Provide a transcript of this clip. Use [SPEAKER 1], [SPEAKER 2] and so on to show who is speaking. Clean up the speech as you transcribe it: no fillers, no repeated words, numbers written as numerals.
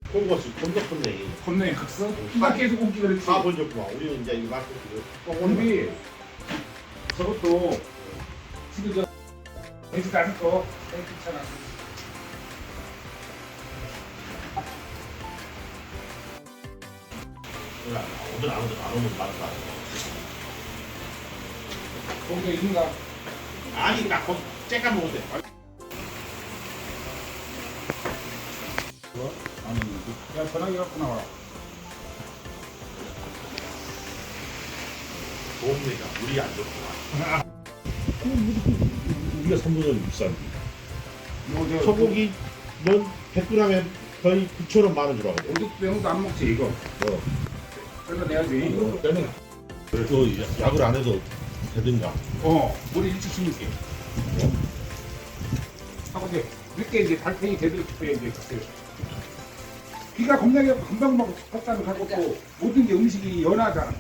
[SPEAKER 1] 콩버스 콘덕분네
[SPEAKER 2] 겁내 갔어? 나 계속 옮기 그랬지.
[SPEAKER 1] 다 번졌구만. 우리는 이제 이거 마스크
[SPEAKER 2] 우리 저것도 지금 저 돼지 다섯 거 괜찮아.
[SPEAKER 1] 오늘 안 오면 말까.
[SPEAKER 2] 거기가 있는가?
[SPEAKER 1] 아니 나 거기 째까 먹을 때.
[SPEAKER 2] 아니, 야 전화기 갖고 나와.
[SPEAKER 1] 좋습니다. 우리 안 좋구만. 우리가 3분의 비싼.
[SPEAKER 2] 뭐
[SPEAKER 1] 소고기 넌 100g에 거의 9,000원 만원 주라고.
[SPEAKER 2] 어디 병도 안 먹지 이거. 그래서 내야지.
[SPEAKER 1] 때는 그 약을 안 해도 되든가.
[SPEAKER 2] 우리 일찍 심을게. 하고 이제 늦게 이제 달팽이 되들 싶어야 이제 그때. 비가 겁나게 금방 막 fat산을 갖고 또 모든 게 음식이 연하잖아.